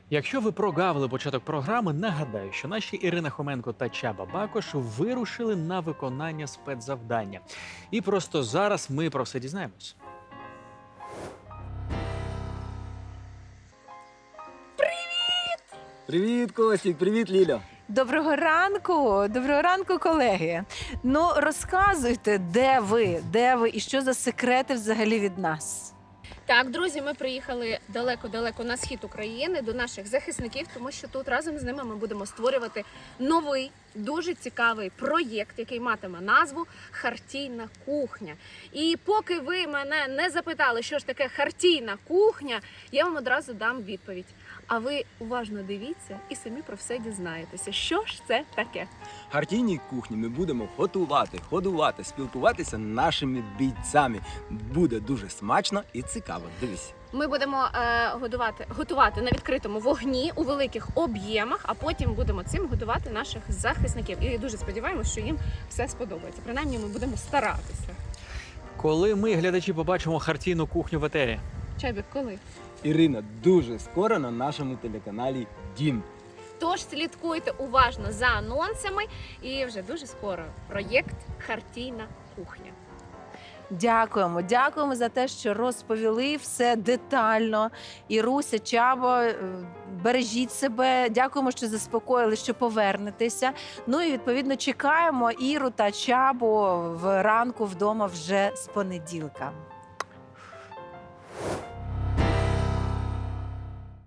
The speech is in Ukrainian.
Якщо ви прогавили початок програми, нагадаю, що наші Ірина Хоменко та Чаба Бакош вирушили на виконання спецзавдання. І просто зараз ми про все дізнаємось. Привіт, Костік, привіт, Ліля. Доброго ранку, колеги. Ну, розказуйте, де ви і що за секрети взагалі від нас? Так, друзі, ми приїхали далеко-далеко на схід України до наших захисників, тому що тут разом з ними ми будемо створювати новий, дуже цікавий проєкт, який матиме назву «Хартійна кухня». І поки ви мене не запитали, що ж таке хартійна кухня, я вам одразу дам відповідь. А ви уважно дивіться і самі про все дізнаєтеся, що ж це таке. В хартійній кухні ми будемо готувати, ходувати, спілкуватися з нашими бійцями. Буде дуже смачно і цікаво. Дивись. Ми будемо готувати на відкритому вогні у великих об'ємах, а потім будемо цим годувати наших захисників. І дуже сподіваємося, що їм все сподобається. Принаймні, ми будемо старатися. Коли ми, глядачі, побачимо хартійну кухню в етері? Чайбік, коли? Ірина, дуже скоро на нашому телеканалі «Дім». Тож слідкуйте уважно за анонсами і вже дуже скоро проєкт «Хартійна кухня». Дякуємо за те, що розповіли все детально. Іруся, Чабо, бережіть себе. Дякуємо, що заспокоїли, що повернетеся. Ну і відповідно чекаємо Іру та Чабу вранку вдома вже з понеділка.